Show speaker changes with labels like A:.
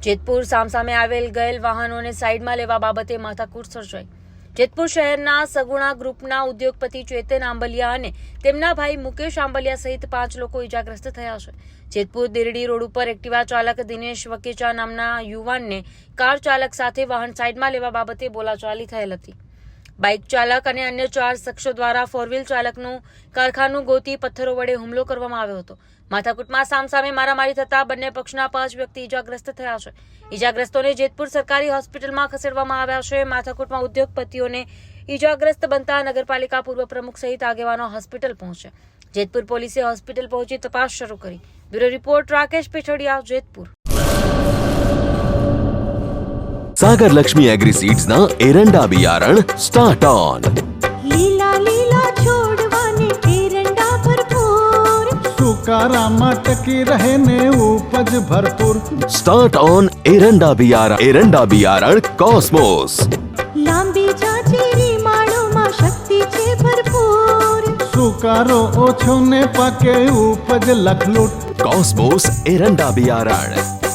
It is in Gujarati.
A: જેતપુર સામસામે આવેલ ગયેલ વાહનોને સાઈડમાં લેવા બાબતે માથાકૂટ સર્જાઈ। જેતપુર શહેરના સગુણા ગ્રુપના ઉદ્યોગપતિ ચેતન આંબલિયા અને તેમના ભાઈ મુકેશ આંબલિયા સહિત 5 લોકો ઇજાગ્રસ્ત થયા છે। જેતપુર દિરડી રોડ ઉપર એક્ટિવા ચાલક દિનેશ વકેચા નામના યુવાનને કાર ચાલક સાથે વાહન સાઈડમાં લેવા બાબતે બોલાચાલી થયેલ હતી। બાઇક ચાલક અને અન્ય 4 શખ્સો દ્વારા ફોર વ્હીલ ચાલકનું કારખાનું ગોતી પથ્થરો વડે હુમલો કરવામાં આવ્યો હતો। માથાકૂટમાં સામસામે મારામારી થતા બંને પક્ષના 5 વ્યક્તિ ઇજાગ્રસ્ત થયા છે। ઇજાગ્રસ્તોને જેતપુર સરકારી હોસ્પિટલમાં ખસેડવામાં આવ્યા છે। માથાકૂટમાં ઉદ્યોગપતિઓને ઇજાગ્રસ્ત બનતા નગરપાલિકા પૂર્વ પ્રમુખ સહિત આગેવાનો હોસ્પિટલ પહોંચ્યા। જેતપુર પોલીસે હોસ્પિટલ પહોંચી તપાસ શરૂ કરી। Bureau report Rakesh Pechhadiya, Jetpur.
B: Sagar Lakshmi agriseeds ना एरंडा बियारण स्टार्ट ऑन।
C: લીલા લીલા છોડવાને એરંડા ભરપૂર,
D: સુકારામાં ટકી રહે ને ઉપજ ભરપૂર।
B: स्टार्ट ऑन एरंडा बियारण कॉस्मोस।
C: લાંબી જાચેરી માળોમાં શક્તિ છે ભરપૂર,
D: સુકારો ઓછો ને પાકે ઉપજ લખલૂટ।
B: कॉस्मोस एरंडा बियारण